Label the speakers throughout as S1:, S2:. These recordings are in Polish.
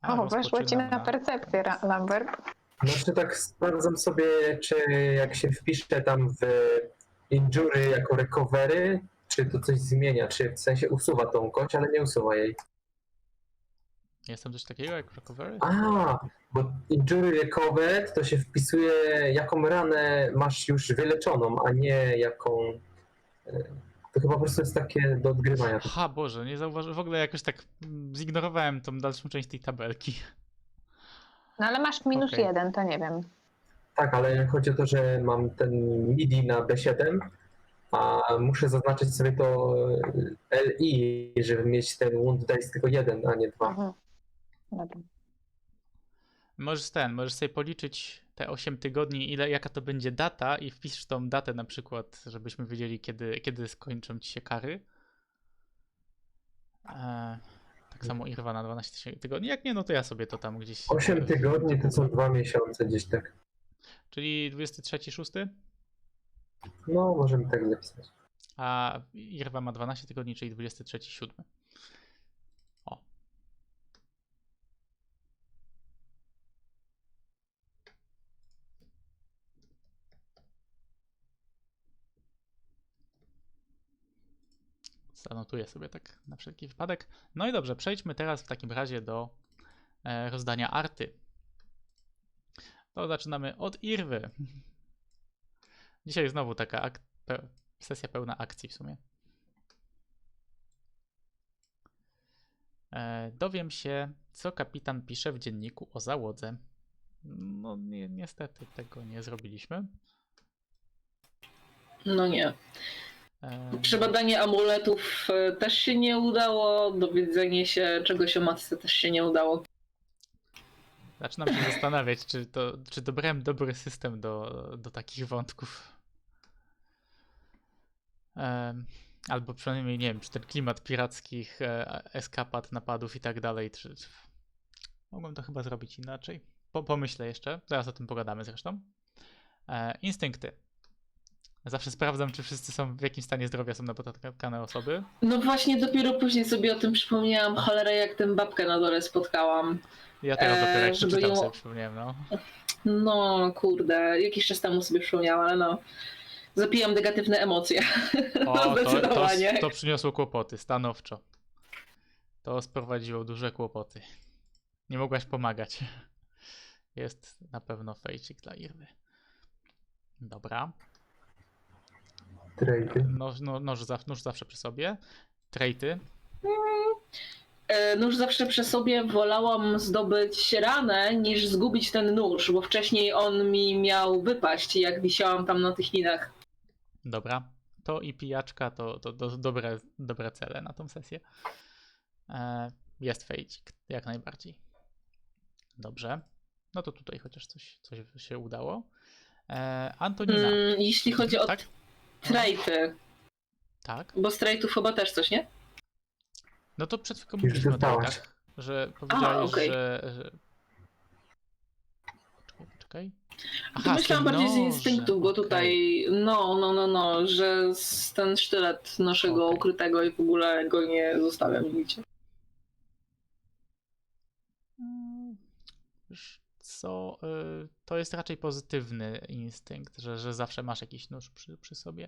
S1: O, weszło ci
S2: rozpoczynam
S1: na percepcję, Lambert.
S3: Znaczy tak sprawdzam sobie, czy jak się wpisze tam w injury jako recovery, czy to coś zmienia, czy w sensie usuwa tą kość, ale nie usuwa jej.
S2: Jest tam coś takiego jak recovery?
S3: A, bo injury recovered to się wpisuje, jaką ranę masz już wyleczoną, a nie jaką... To chyba po prostu jest takie do odgrywania.
S2: Aha, Boże, nie zauważyłem. W ogóle jakoś tak zignorowałem tą dalszą część tej tabelki.
S1: No ale masz minus
S2: Okej.
S1: 1, to nie wiem.
S3: Tak, ale chodzi o to, że mam ten MIDI na B7, a muszę zaznaczyć sobie to LI, żeby mieć ten wound dice tylko jeden, a nie dwa.
S1: Mhm. Dobra.
S2: Możesz sobie policzyć te 8 tygodni, jaka to będzie data i wpisz tą datę na przykład, żebyśmy wiedzieli, kiedy skończą ci się kary. Tak samo Irwa na 12 tygodni. Jak nie, no to ja sobie to tam gdzieś...
S3: 8 tygodni to są 2 miesiące gdzieś tak.
S2: Czyli 23-6,
S3: No, możemy tak zapisać.
S2: a Irwa ma 12 tygodni, czyli 23-7. O. Zanotuję sobie tak na wszelki wypadek. No i dobrze, przejdźmy teraz w takim razie do rozdania arty. To zaczynamy od Irwy. Dzisiaj znowu taka sesja pełna akcji w sumie. Dowiem się, co kapitan pisze w dzienniku o załodze. No niestety tego nie zrobiliśmy.
S4: No nie. Przebadanie amuletów też się nie udało, dowiedzenie się czegoś o matce też się nie udało.
S2: Zaczynam się zastanawiać, czy dobrałem dobry system do takich wątków. Albo przynajmniej nie wiem, czy ten klimat pirackich, eskapad, napadów i tak dalej, czy mogłem to chyba zrobić inaczej. Pomyślę jeszcze, zaraz o tym pogadamy zresztą. Instynkty. Zawsze sprawdzam, czy wszyscy są w jakim stanie zdrowia są napotkane osoby.
S4: No właśnie dopiero później sobie o tym przypomniałam, cholera jak tę babkę na dole spotkałam.
S2: Ja teraz dopiero jak
S4: żeby
S2: przeczytam
S4: ją-
S2: sobie przypomniałem, no.
S4: No kurde, jakiś czas temu sobie przypomniałam, ale no. Zapijam negatywne emocje.
S2: O,
S4: Zdecydowanie.
S2: to przyniosło kłopoty, stanowczo. To sprowadziło duże kłopoty. Nie mogłaś pomagać. Jest na pewno fejcik dla Irwy. Dobra.
S3: Trade.
S2: Nóż zawsze przy sobie. Trejty.
S4: Nóż zawsze przy sobie wolałam zdobyć ranę niż zgubić ten nóż, bo wcześniej on mi miał wypaść, jak wisiałam tam na tych linach.
S2: Dobra. To i pijaczka to dobre cele na tą sesję. Jest fejcik, jak najbardziej. Dobrze. No to tutaj chociaż coś się udało. Antonina.
S4: Jeśli chodzi o
S2: Tak?
S4: trajty,
S2: Tak.
S4: bo z trajtów chyba też coś, nie?
S2: No to przed chwilą
S3: Już
S2: mówiliśmy o
S3: dostałaś.
S2: trajtach, że powiedziałeś,
S4: okej.
S2: że... Poczekaj.
S4: To myślałam bardziej z
S2: noże,
S4: instynktu, bo
S2: okej.
S4: tutaj że ten sztylet naszego
S2: Okej.
S4: ukrytego i w ogóle go nie zostawiam nigdzie.
S2: Wiesz co, to jest raczej pozytywny instynkt, że zawsze masz jakiś nóż przy sobie.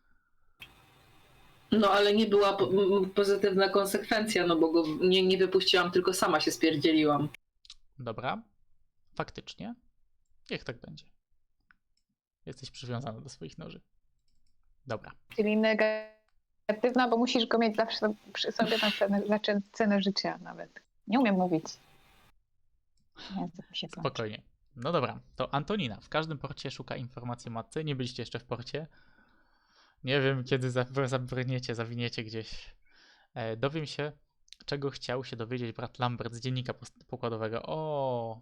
S4: No ale nie była pozytywna konsekwencja, no bo go nie wypuściłam, tylko sama się spierdzieliłam.
S2: Dobra, faktycznie. Niech tak będzie. Jesteś przywiązana do swoich noży. Dobra.
S1: Czyli negatywna, bo musisz go mieć zawsze przy sobie za cenę życia nawet. Nie umiem mówić. Język mi się plącze.
S2: Spokojnie. No dobra, to Antonina w każdym porcie szuka informacji o matce. Nie byliście jeszcze w porcie. Nie wiem, kiedy zawiniecie gdzieś. Dowiem się, czego chciał się dowiedzieć brat Lambert z dziennika pokładowego. O,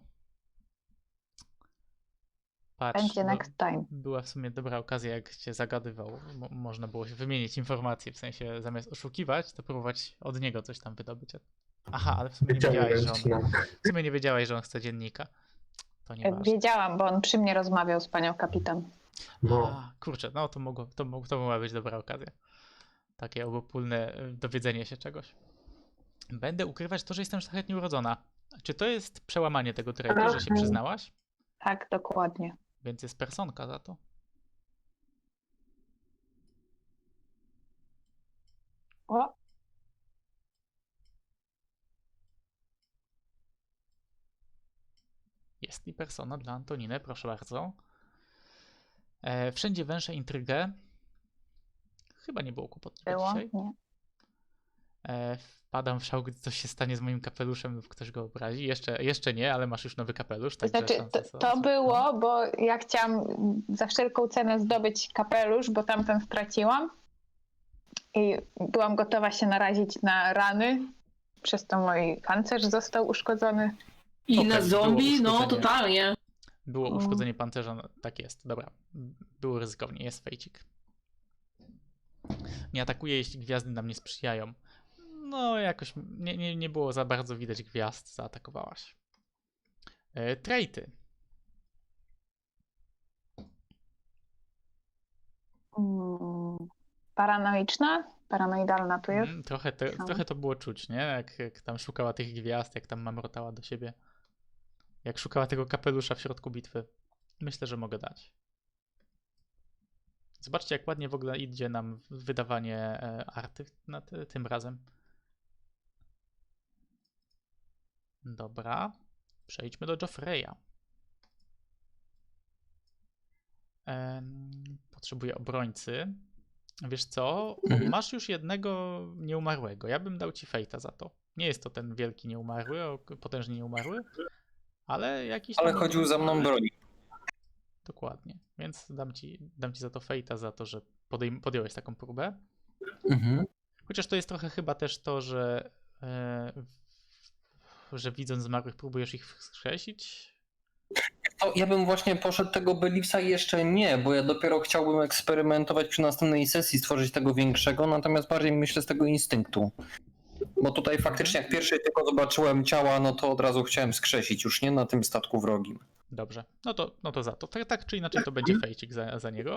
S2: patrz,
S1: Będzie next time.
S2: była w sumie dobra okazja, jak cię zagadywał. Można było się wymienić informacje, w sensie zamiast oszukiwać, to próbować od niego coś tam wydobyć. Aha, ale w sumie nie wiedziałeś, że on chce dziennika. To nie ważne.
S1: Wiedziałam, bo on przy mnie rozmawiał z panią kapitan.
S3: No,
S2: A, kurczę, no to mogła być dobra okazja. Takie obopólne dowiedzenie się czegoś. Będę ukrywać to, że jestem szlachetnie urodzona. Czy to jest przełamanie tego trade'u, że się przyznałaś?
S1: Tak, dokładnie.
S2: Więc jest personka za to.
S1: O,
S2: Jest i persona dla Antoniny, proszę bardzo. Wszędzie węszę intrygę. Chyba nie było kłopotów
S1: było?
S2: dzisiaj.
S1: Nie.
S2: Wpadam w szał, gdy coś się stanie z moim kapeluszem lub ktoś go obrazi. Jeszcze nie, ale masz już nowy kapelusz,
S1: To
S2: także
S1: znaczy,
S2: szanse są.
S1: to było, bo ja chciałam za wszelką cenę zdobyć kapelusz, bo tamten straciłam. I byłam gotowa się narazić na rany. Przez to mój pancerz został uszkodzony.
S4: I
S2: Okej,
S4: na
S2: było
S4: zombie, no
S2: uszkodzenie.
S4: totalnie.
S2: Było uszkodzenie pancerza, no, tak jest, dobra. Było ryzykownie, jest fejcik. Nie atakuję, jeśli gwiazdy nam nie sprzyjają. No, jakoś nie było za bardzo widać gwiazd, zaatakowałaś. Trejty.
S1: Paranoiczna? Paranoidalna tu jest.
S2: Trochę to było czuć, nie? Jak tam szukała tych gwiazd, jak tam mamrotała do siebie. Jak szukała tego kapelusza w środku bitwy. Myślę, że mogę dać. Zobaczcie, jak ładnie w ogóle idzie nam wydawanie arty tym razem. Dobra. Przejdźmy do Joffreya. Potrzebuję obrońcy. Wiesz co? Masz już jednego nieumarłego. Ja bym dał ci fejta za to. Nie jest to ten wielki nieumarły, potężnie nieumarły, ale jakiś
S5: Ale
S2: tam
S5: chodził za mną broni.
S2: Dokładnie. Więc dam ci za to fejta, za to, że podjąłeś taką próbę.
S5: Mhm.
S2: Chociaż to jest trochę chyba też to, że widząc zmarłych próbujesz ich wskrzesić.
S5: To ja bym właśnie poszedł tego Beliefsa jeszcze nie, bo ja dopiero chciałbym eksperymentować przy następnej sesji, stworzyć tego większego, natomiast bardziej myślę z tego instynktu. Bo tutaj faktycznie jak pierwszy tylko zobaczyłem ciała, no to od razu chciałem skrzesić, już nie na tym statku wrogim.
S2: Dobrze. No to za to. Tak czy inaczej to będzie fejcik za niego.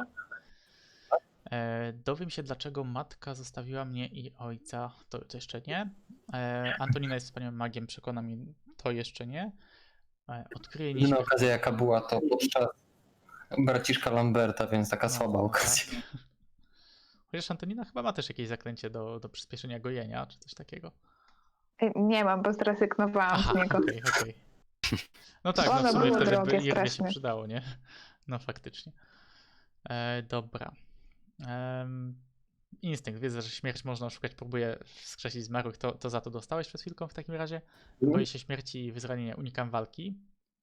S2: Dowiem się, dlaczego matka zostawiła mnie i ojca. To jeszcze nie. Antonina jest wspaniałym magiem, przekona mnie, to jeszcze nie. Odkryję
S5: Jedyna
S2: nieśmierć.
S5: okazja jaka była to podczas braciszka Lamberta, więc taka słaba okazja.
S2: Tak. Chociaż Antonina chyba ma też jakieś zaklęcie do przyspieszenia gojenia, czy coś takiego.
S1: Nie mam, bo zrezygnowałam z niego.
S2: Okej. No tak, no
S1: Ono
S2: w sumie
S1: było
S2: wtedy
S1: drogie
S2: by Irwie się
S1: strasznie.
S2: przydało, nie? No faktycznie. Dobra. Instynkt. Wiedzę, że śmierć można oszukać, próbuję wskrzesić zmarłych. To za to dostałeś przed chwilką w takim razie? Boję się śmierci i wyzranienia, unikam walki.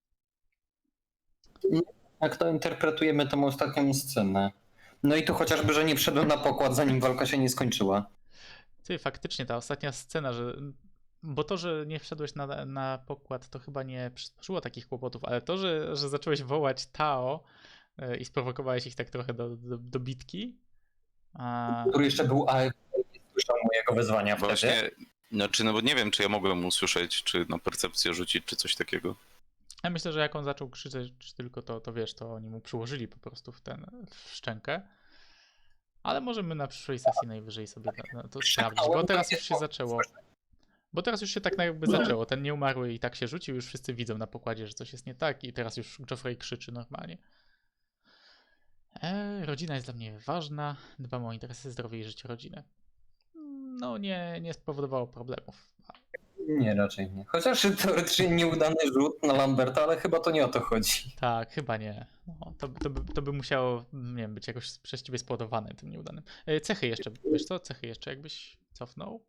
S5: Jak to interpretujemy tą ostatnią scenę? No i tu chociażby, że nie wszedłem na pokład, zanim walka się nie skończyła.
S2: Ty, faktycznie ta ostatnia scena, bo to, że nie wszedłeś na pokład, to chyba nie przysporzyło takich kłopotów, ale to, że zacząłeś wołać Tao i sprowokowałeś ich tak trochę do bitki.
S5: Który jeszcze był AFK i nie słyszał mojego wezwania wtedy.
S6: Właśnie, znaczy, no bo nie wiem, czy ja mogłem usłyszeć, czy na percepcję rzucić, czy coś takiego.
S2: Ja myślę, że jak on zaczął krzyczeć, czy tylko to wiesz, to oni mu przyłożyli po prostu w szczękę. Ale możemy na przyszłej sesji najwyżej sobie to sprawdzić, bo teraz już się zaczęło. Bo teraz już się tak jakby zaczęło. Ten nieumarły i tak się rzucił, już wszyscy widzą na pokładzie, że coś jest nie tak i teraz już Joffrey krzyczy normalnie. Rodzina jest dla mnie ważna. Dbam o interesy, zdrowie i życie rodziny. No nie spowodowało problemów.
S5: Nie, raczej nie. Chociaż teoretycznie nieudany rzut na Lamberta, ale chyba to nie o to chodzi.
S2: Tak, chyba nie. No, to by musiało, nie wiem, być jakoś przez ciebie spowodowane tym nieudanym. Cechy jeszcze, wiesz co? Cechy jeszcze jakbyś cofnął?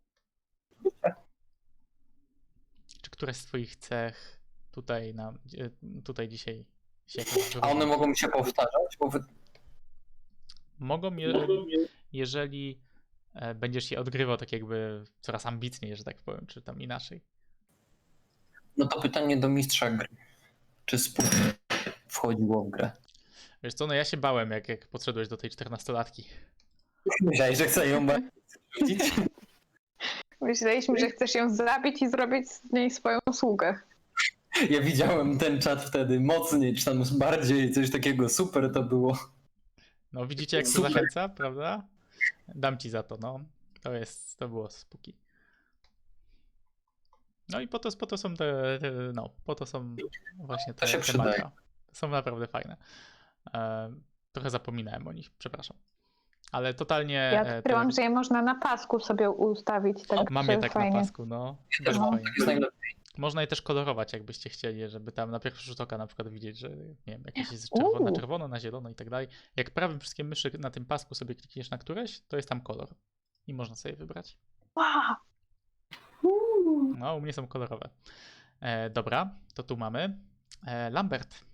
S2: Czy któraś z twoich cech tutaj dzisiaj się jakoś
S5: A one
S2: wyróżnia?
S5: mogą się powtarzać? Bo
S2: Mogą, jeżeli będziesz je odgrywał tak jakby coraz ambitniej, że tak powiem, czy tam inaczej.
S5: No to pytanie do mistrza gry. Czy spód wchodziło w grę?
S2: Wiesz co, no ja się bałem, jak podszedłeś do tej 14-latki.
S5: Myślałeś, że chcę ją rzucić?
S1: Myśleliśmy, że chcesz ją zabić i zrobić z niej swoją sługę.
S5: Ja widziałem ten czat wtedy mocniej, czy tam bardziej, coś takiego super to było.
S2: No widzicie, jak to
S5: Super.
S2: zachęca, prawda? Dam ci za to, no. To było spooky. No i po to są po to są właśnie
S5: To się
S2: te
S5: przydaje.
S2: makra. Są naprawdę fajne. Trochę zapominałem o nich, przepraszam. Ale totalnie...
S1: Ja odkryłam, że je można na pasku sobie ustawić. Tak,
S2: Mam
S1: że
S2: je tak
S1: fajnie.
S2: na pasku, no.
S5: Też
S2: Bardzo
S5: mam,
S2: fajnie.
S5: tak jest najlepiej.
S2: Można je też kolorować, jakbyście chcieli, żeby tam na pierwszy rzut oka na przykład widzieć, że nie wiem, jakieś jest czerwone na czerwono, na zielono i tak dalej. Jak prawym wszystkie myszy na tym pasku sobie klikniesz na któreś, to jest tam kolor. I można sobie wybrać.
S1: Wow.
S2: No, u mnie są kolorowe. Dobra, to tu mamy. Lambert.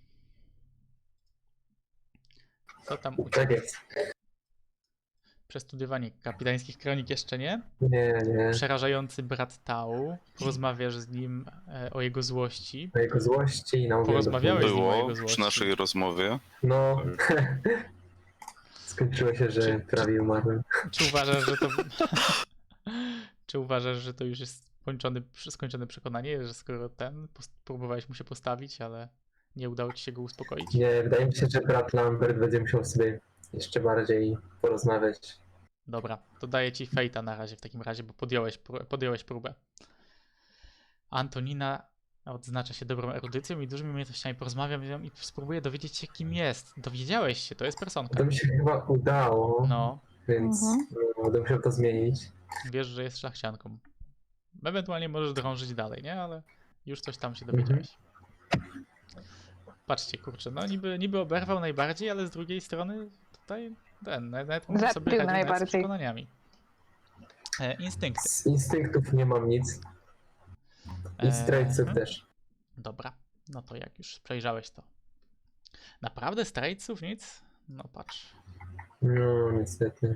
S2: Co tam u
S3: Tak
S2: ciebie?
S3: jest.
S2: Przestudiowanie kapitańskich kronik jeszcze nie.
S3: Nie.
S2: Przerażający brat Tau. Porozmawiasz z nim o jego złości.
S3: Na jego złości i na
S2: Porozmawiałeś z nim o
S6: Było
S2: jego
S6: przy
S2: złości.
S6: naszej rozmowie.
S3: No. Skończyło się, że prawie umarłem.
S2: Czy uważasz, że to... Czy uważasz, że to już jest skończone przekonanie, że skoro próbowałeś mu się postawić, ale nie udało ci się go uspokoić?
S3: Nie, wydaje mi się, że brat Lambert będzie musiał sobie jeszcze bardziej porozmawiać.
S2: Dobra, to daję ci fejta na razie w takim razie, bo podjąłeś próbę. Antonina odznacza się dobrą erudycją i dużymi umiejętnościami. Porozmawiam z nią i spróbuję dowiedzieć się, kim jest. Dowiedziałeś się, to jest personka.
S3: To mi się chyba udało,
S2: No,
S3: więc będę musiał to zmienić.
S2: wiesz, że jest szlachcianką. Ewentualnie możesz drążyć dalej, nie? Ale już coś tam się dowiedziałeś. Patrzcie, kurczę, no niby oberwał najbardziej, ale z drugiej strony tutaj nawet mógł
S1: Zabił
S2: sobie radzić nawet z
S1: najbardziej.
S2: przekonaniami. Instynkty.
S3: Z instynktów nie mam nic. I z traitsów też.
S2: Dobra, no to jak już przejrzałeś to. Naprawdę z traitsów nic? No patrz.
S3: No, niestety.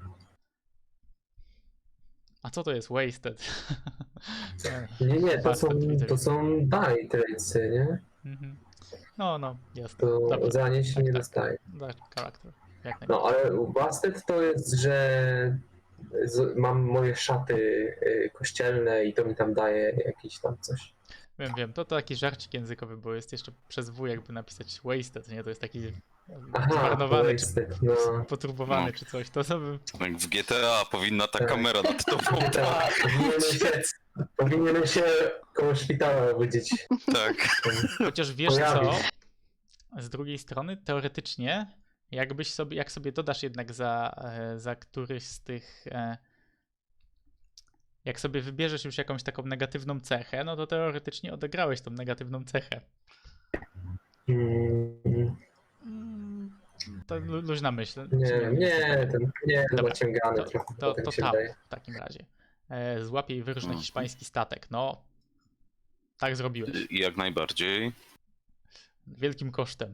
S2: A co to jest wasted?
S3: Nie,
S2: Bastard, widzę.
S3: to są die traitsy, nie?
S2: Mhm. No, jasne.
S3: To
S2: Dobra,
S3: za nie się
S2: tak,
S3: nie
S2: tak.
S3: dostaje.
S2: Dla charakter. Jak
S3: No,
S2: najbardziej.
S3: ale u Bastet to jest, że mam moje szaty kościelne i to mi tam daje jakieś tam coś.
S2: Wiem, to taki żarcik językowy, bo jest jeszcze przez W jakby napisać wasted, nie? To jest taki
S3: Aha,
S2: zmarnowany, czy
S3: Wasted, no.
S2: poturbowany,
S6: No.
S2: czy coś. To sobie...
S6: Jak w GTA powinna ta
S3: Tak.
S6: kamera nad tobą.
S3: Tak, powinienem się koło szpitala obudzić.
S6: Tak.
S2: Chociaż wiesz co?
S3: Pojawić.
S2: Z drugiej strony, teoretycznie, jak sobie dodasz jednak za któryś z tych... Jak sobie wybierzesz już jakąś taką negatywną cechę, no to teoretycznie odegrałeś tą negatywną cechę. To luźna myśl.
S3: Nie, to
S2: Dobra,
S3: naciągane trochę,
S2: To
S3: tak się
S2: tam
S3: wydaje.
S2: w takim razie. Złapie i wyrusz na hiszpański statek. No, tak zrobiłeś.
S6: Jak najbardziej.
S2: Wielkim kosztem.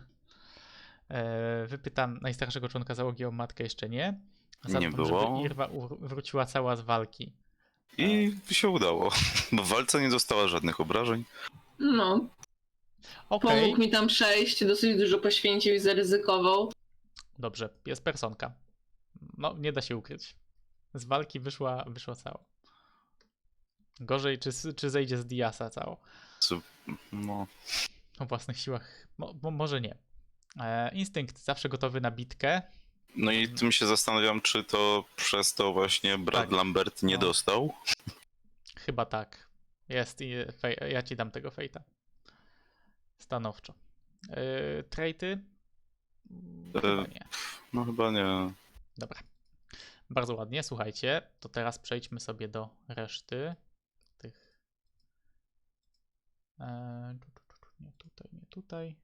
S2: Wypytam najstarszego członka załogi o matkę, jeszcze nie.
S6: Nie było.
S2: Żeby Irwa wróciła cała z walki.
S6: I się udało. Bo w walce nie dostała żadnych obrażeń.
S4: No,
S2: Okej,
S4: pomógł mi tam przejść, dosyć dużo poświęcił i zaryzykował.
S2: dobrze, jest personka. No, nie da się ukryć. Z walki wyszła cała. Gorzej, czy zejdzie z Diasa cało.
S6: No,
S2: O własnych siłach. Może nie. Instynkt zawsze gotowy na bitkę.
S6: no i tym się zastanawiam, czy to przez to właśnie brat
S2: Tak.
S6: Lambert nie
S2: No.
S6: dostał.
S2: Chyba tak. Jest i ja ci dam tego fejta. Stanowczo. Traity? Chyba nie.
S6: No chyba nie.
S2: Dobra. Bardzo ładnie, słuchajcie. To teraz przejdźmy sobie do reszty tych. Nie tutaj, nie tutaj.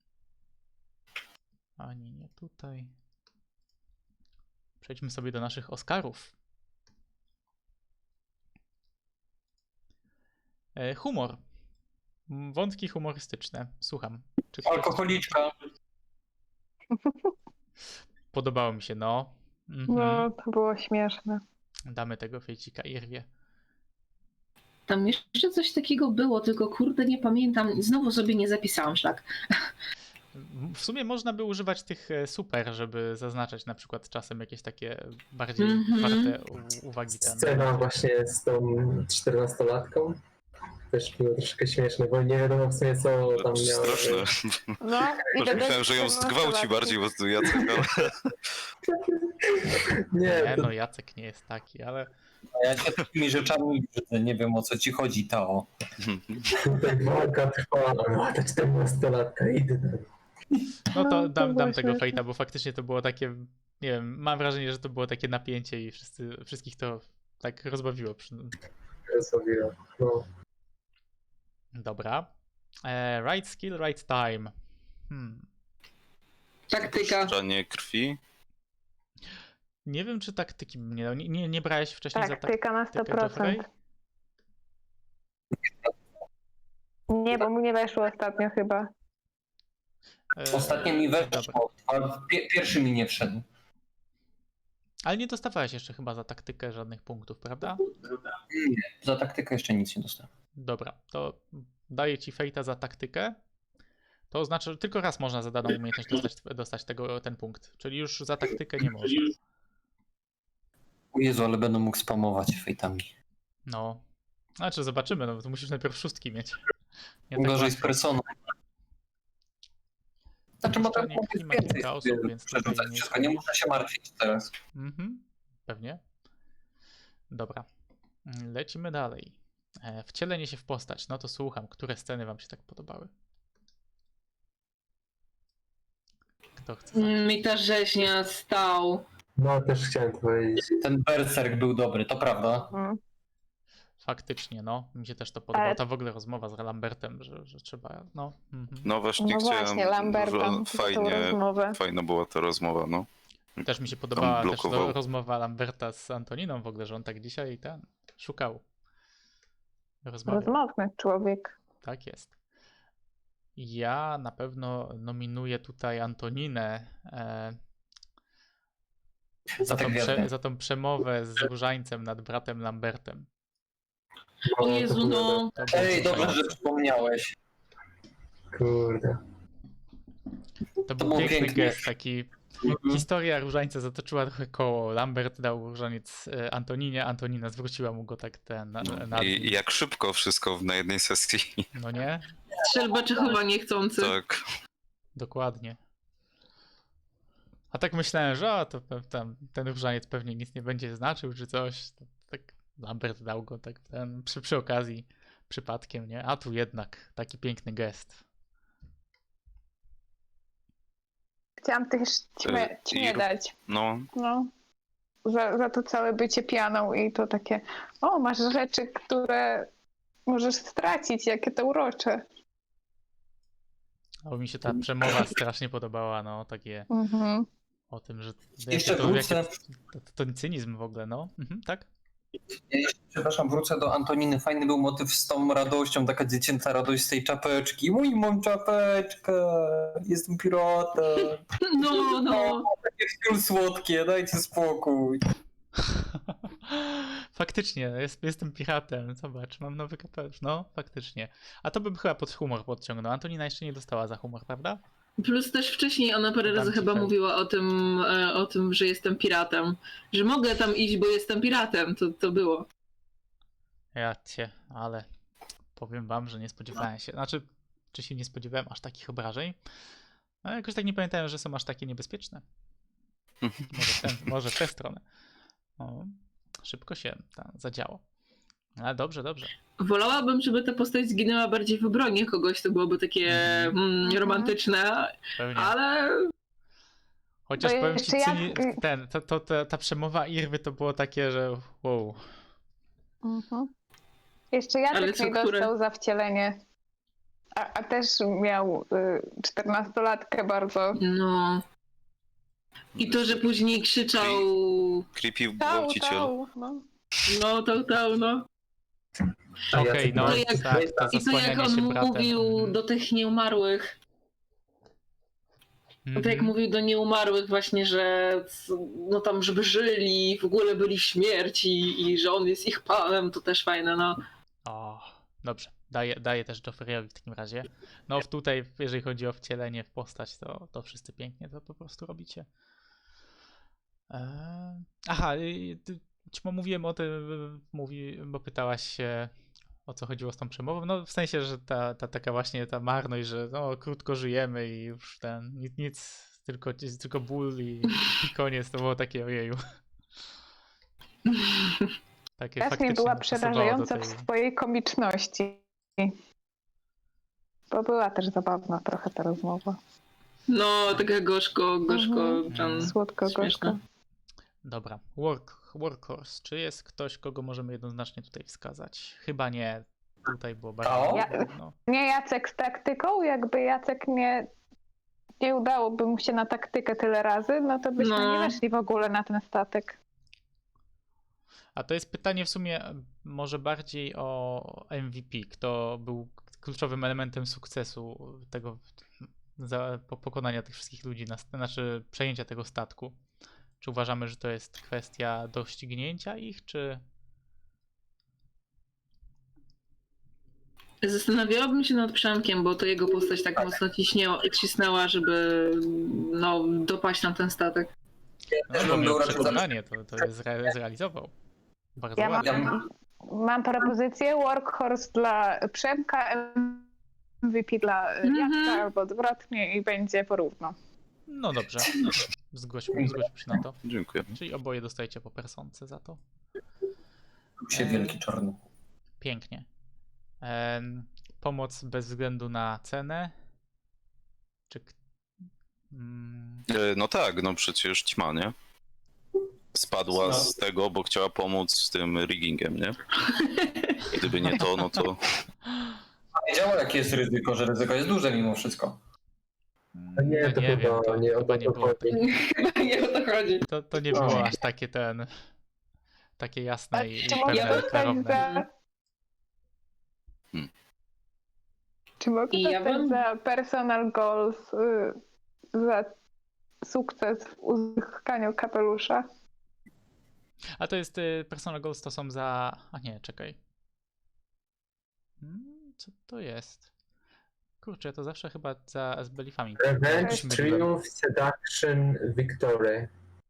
S2: Ani nie tutaj. Przejdźmy sobie do naszych Oscarów. Humor. Wątki humorystyczne. Słucham. Czy ktoś-
S5: Alkoholiczka.
S2: Podobało mi się, no. Mhm.
S1: No, to było śmieszne.
S2: Damy tego fejcika Irwie.
S4: Tam jeszcze coś takiego było, tylko kurde nie pamiętam. Znowu sobie nie zapisałam szlak.
S2: W sumie można by używać tych super, żeby zaznaczać na przykład czasem jakieś takie bardziej warte uwagi.
S3: Scena właśnie z tą 14-latką też było troszkę śmieszne, bo nie wiadomo w sumie co tam miało.
S6: Straszne.
S1: No,
S6: Może myślałem, że ją zgwałci bardziej, bo tu Jacek, ale...
S3: Nie,
S2: Nie,
S3: to,
S2: no Jacek nie jest taki, ale
S5: A ja się takimi rzeczami brzydzę, nie wiem o co ci chodzi, Tao.
S3: Tutaj walka trwa, a ta 14-latka, idę tam.
S2: No to
S1: No, to
S2: dam
S1: było
S2: tego
S1: śmieszne.
S2: fejta, bo faktycznie to było takie, nie wiem, mam wrażenie, że to było takie napięcie i wszystkich to tak rozbawiło.
S3: Zrobiła. No.
S2: Dobra. Right skill, right time.
S4: Taktyka.
S6: Puszczanie krwi.
S2: Nie wiem, czy taktyki bym nie dał. Nie brałeś wcześniej za
S1: Taktyka na
S2: taktykę Joffrey?
S1: 100%. Nie, bo mu nie weszło ostatnio chyba.
S5: Ostatnio mi
S2: Dobra.
S5: weszło, a pierwszy mi nie wszedł.
S2: Ale nie dostawałeś jeszcze chyba za taktykę żadnych punktów, prawda?
S5: Nie, za taktykę jeszcze nic nie dostałem.
S2: Dobra, to daję ci fejta za taktykę. To oznacza, że tylko raz można za daną umiejętność dostać ten punkt. Czyli już za taktykę nie można.
S5: O Jezu, ale będę mógł spamować fejtami.
S2: No. Znaczy zobaczymy, no to musisz najpierw szóstki mieć. Nie tak
S5: Gorzej z
S2: łatwo.
S5: personą. Znaczy mogę
S2: Puszczanie
S5: mówić
S2: krwi ma
S5: więcej
S2: kilka osób,
S5: sobie
S2: więc tutaj
S5: przerzucać
S2: nie
S5: wszystko, nie
S2: jest-
S5: muszę się martwić teraz.
S2: Pewnie. Dobra. Lecimy dalej. Wcielenie się w postać. No to słucham, które sceny wam się tak podobały? Kto chce zacząć?
S4: Mi ta rzeźnia stał.
S3: No, też chciałem to powiedzieć.
S5: Ten berserk był dobry, to prawda.
S1: Mhm.
S2: Faktycznie, no. Mi się też to podobało.
S1: Ale-
S2: Ta w ogóle rozmowa z Lambertem, że trzeba, no.
S6: No właśnie
S1: No
S6: chciałem,
S1: właśnie, Lamberta,
S6: że
S1: za tą
S6: fajnie,
S1: rozmowę.
S6: fajna była ta rozmowa, no.
S2: Też mi się podobała też
S6: blokował.
S2: rozmowa Lamberta z Antoniną w ogóle, że on tak dzisiaj szukał. Rozmawiał.
S1: Rozmowny człowiek.
S2: Tak jest. Ja na pewno nominuję tutaj Antoninę
S5: Za te gwiazdy.
S2: za tą przemowę z różańcem nad bratem Lambertem.
S4: O
S3: to
S4: Jezu,
S3: było-
S4: no.
S2: To było
S5: Ej, dobrze, że
S2: wzruszające.
S5: przypomniałeś.
S3: Kurde.
S2: To był
S5: było
S2: piękny
S5: piękne.
S2: gest, taki historia różańca zatoczyła trochę koło. Lambert dał różaniec Antoninie, Antonina zwróciła mu go tak na
S6: I jak szybko wszystko na jednej sesji.
S2: no nie?
S4: Strzelba Czechowa niechcący.
S6: Tak.
S2: Dokładnie. A tak myślałem, że ten różaniec pewnie nic nie będzie znaczył, czy coś. Tak Lambert dał go tak przy okazji, przypadkiem, nie? A tu jednak taki piękny gest.
S1: Chciałam też ćmie
S6: i-
S1: dać.
S6: No,
S1: No. Za to całe bycie pianą i to takie, o, masz rzeczy, które możesz stracić, jakie to urocze.
S2: A mi się ta przemowa strasznie podobała, no, takie
S1: Mhm.
S2: o tym, że
S5: Jeszcze wrócę.
S2: to cynizm w ogóle, no. Tak?
S5: Ja jeszcze, przepraszam, wrócę do Antoniny. Fajny był motyw z tą radością, taka dziecięca radość z tej czapeczki. Mój, mam czapeczkę, jestem piratem.
S4: No, no.
S5: Takie wciul słodkie, dajcie spokój.
S2: Faktycznie, jestem piratem. Zobacz, mam nowy kapelusz. No, faktycznie. A to bym chyba pod humor podciągnął. Antonina jeszcze nie dostała za humor, prawda?
S4: Plus też wcześniej ona parę
S2: Dam
S4: razy
S2: ci
S4: chyba
S2: fajnie.
S4: mówiła o tym, że jestem piratem. Że mogę tam iść, bo jestem piratem. To było.
S2: Ja cię, ale powiem wam, że nie spodziewałem się. Znaczy, czy się nie spodziewałem aż takich obrażeń? Ale jakoś tak nie pamiętałem, że są aż takie niebezpieczne. Może w tę stronę. O, szybko się tam zadziało. Ale dobrze, dobrze.
S4: Wolałabym, żeby ta postać zginęła bardziej w obronie kogoś, to byłoby takie romantyczne,
S2: Pewnie.
S4: ale
S2: Chociaż
S1: Bo
S2: powiem ci,
S1: jeszcze
S2: ta przemowa Irwy to było takie, że wow.
S1: Mhm. Jeszcze
S4: Ale
S1: Jacek
S4: co,
S1: nie
S4: które?
S1: dostał za wcielenie. A też miał 14-latkę bardzo.
S4: no. I to, że później krzyczał
S6: creepy
S1: Tał,
S6: gwałciciel.
S1: no.
S4: no.
S3: A
S2: Okej,
S3: Jacek
S2: no
S3: ma-
S4: To jak-
S2: tak, to
S4: I to jak
S2: zasłanianie
S4: on
S2: się bratem.
S4: mówił
S2: Mhm.
S4: do tych nieumarłych, to jak
S2: Mhm.
S4: mówił do nieumarłych właśnie, że no tam, żeby żyli, w ogóle byli śmierci i że on jest ich panem, to też fajne, no.
S2: O, dobrze. Daję też Joffreyowi w takim razie. No tutaj, jeżeli chodzi o wcielenie w postać, to wszyscy pięknie to po prostu robicie. Aha, ćmo mówiłem o tym, bo pytałaś się, o co chodziło z tą przemową. No w sensie, że ta taka właśnie ta marność, że no krótko żyjemy i już nic, tylko ból i koniec, to było takie ojeju. Takie
S1: Jasmine
S2: faktycznie
S1: była
S2: pasowało do
S1: przerażająca
S2: tej...
S1: w swojej komiczności. Bo była też zabawna trochę ta rozmowa.
S4: No, taka gorzko, tam
S1: Słodko-gorzko.
S4: śmieszna.
S2: Dobra, workhorse. Czy jest ktoś, kogo możemy jednoznacznie tutaj wskazać? Chyba nie. Tutaj było bardzo...
S1: Ja-
S2: no.
S1: Nie Jacek z taktyką, jakby Jacek nie udałoby mu się na taktykę tyle razy, no to byśmy
S4: No.
S1: nie weszli w ogóle na ten statek.
S2: A to jest pytanie w sumie może bardziej o MVP. Kto był kluczowym elementem sukcesu tego pokonania tych wszystkich ludzi, znaczy przejęcia tego statku? Czy uważamy, że to jest kwestia doścignięcia ich, czy...
S4: Zastanawiałabym się nad Przemkiem, bo to jego postać tak mocno cisnęła, żeby dopaść na ten statek.
S2: No,
S5: też
S2: bo
S5: bym
S2: miał
S5: był raczej
S2: przekonanie, to jest zrealizował. Bardzo
S1: Ja
S2: ładnie.
S1: mam propozycję Workhorse dla Przemka, MVP dla Jacka albo odwrotnie i będzie porówno.
S2: No dobrze, zgłośmy się na to.
S6: Dziękuję.
S2: Czyli oboje dostajecie po personce za to.
S5: Się wielki czarny.
S2: Pięknie. Pomoc bez względu na cenę. Czy...
S6: No tak, no przecież ćma, nie? Spadła z tego, bo chciała pomóc z tym riggingiem, nie? Gdyby nie to, no to...
S5: Wiedziała, jakie jest ryzyko, że ryzyko jest duże mimo wszystko.
S3: Nie, to
S2: nie
S3: chyba
S2: wiem, to
S3: nie o
S2: chyba
S3: to
S2: nie było.
S3: chodzi.
S4: Chyba nie o to chodzi.
S2: To nie było aż takie takie jasne i
S1: Czy mogę
S2: pewne,
S1: dostać
S2: klarowne.
S1: Czy mogę
S4: I ja
S1: dostać
S4: bym-
S1: za personal goals, za sukces w uzyskaniu kapelusza?
S2: A to jest personal goals, to są za... A nie, czekaj. Co to jest? Kurczę, to zawsze chyba z belifami.
S3: Revenge,
S2: się myliłem.
S3: Triumph, Seduction, Victory.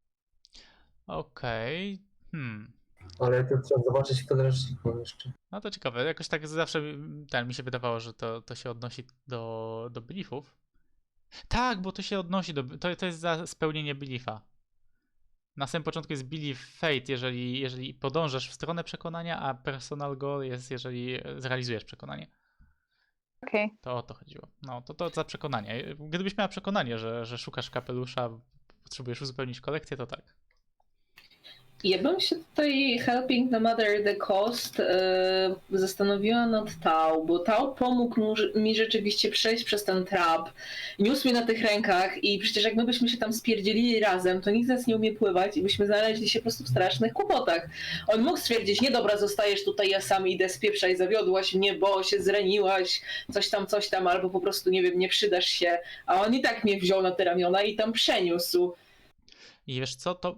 S2: Okej.
S3: Ale to trzeba zobaczyć w podręczniku jeszcze.
S2: No to ciekawe. Jakoś tak zawsze mi się wydawało, że to się odnosi do beliefów. Tak, bo to się odnosi to jest za spełnienie beliefa. Na samym początku jest belief fate, jeżeli podążasz w stronę przekonania, a personal goal jest, jeżeli zrealizujesz przekonanie.
S1: Okej.
S2: To o to chodziło. No, to za przekonanie. Gdybyś miała przekonanie, że szukasz kapelusza, potrzebujesz uzupełnić kolekcję, to tak.
S4: Ja bym się tutaj, helping no matter the cost, zastanowiła nad Tau, bo Tau pomógł mi rzeczywiście przejść przez ten trap. Niósł mnie na tych rękach i przecież jak my byśmy się tam spierdzielili razem, to nikt z nas nie umie pływać i byśmy znaleźli się po prostu w strasznych kłopotach. On mógł stwierdzić, nie dobra, zostajesz tutaj, ja sam idę, spieprzaj, zawiodłaś mnie, bo się zraniłaś, coś tam, albo po prostu, nie wiem, nie przydasz się. A on i tak mnie wziął na te ramiona i tam przeniósł.
S2: I wiesz co, to...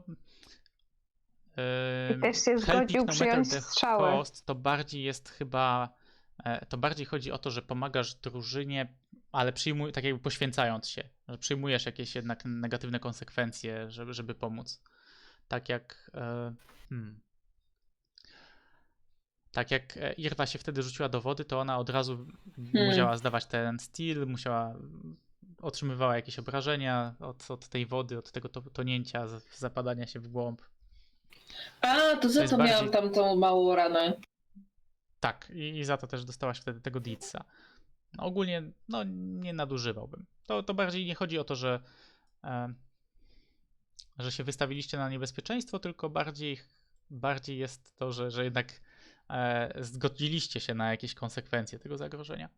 S1: I też się
S2: Helping
S1: zgodził
S2: no matter
S1: przyjąć
S2: the
S1: strzałę.
S2: cost, to bardziej jest chyba... To bardziej chodzi o to, że pomagasz drużynie, ale tak jakby poświęcając się. Że przyjmujesz jakieś jednak negatywne konsekwencje, żeby pomóc. Tak jak... Tak jak Irwa się wtedy rzuciła do wody, to ona od razu musiała zdawać ten steal, otrzymywała jakieś obrażenia od tej wody, od tego tonięcia, zapadania się w głąb.
S4: A, to za
S2: jest
S4: to
S2: bardziej-
S4: miałam tam tą małą ranę.
S2: Tak, i za to też dostałaś wtedy tego Deedsa. No, ogólnie nie nadużywałbym. To bardziej nie chodzi o to, że się wystawiliście na niebezpieczeństwo, tylko bardziej jest to, że jednak zgodziliście się na jakieś konsekwencje tego zagrożenia.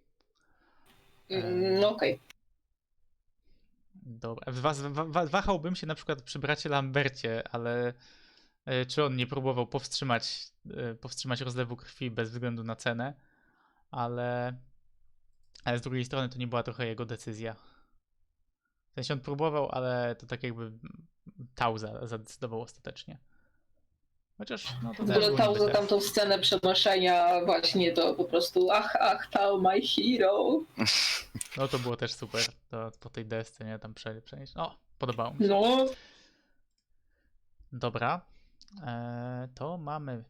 S4: No okej.
S2: Dobra. Wahałbym się na przykład przy bracie Lambercie, ale czy on nie próbował powstrzymać rozlewu krwi bez względu na cenę, ale z drugiej strony to nie była trochę jego decyzja. W sensie on próbował, ale to tak jakby Tau zadecydował ostatecznie. Chociaż no to
S4: W
S2: też
S4: ogóle
S2: był
S4: Tau
S2: niby
S4: za tamtą scenę przenoszenia właśnie to po prostu ach, Tau, my hero.
S2: No to było też super. To po tej desce, nie? Tam przenieść. O, podobało mi się.
S4: No,
S2: Dobra. To mamy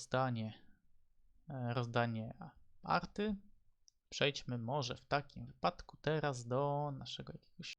S2: rozdanie arty. Przejdźmy może w takim wypadku teraz do naszego jakiegoś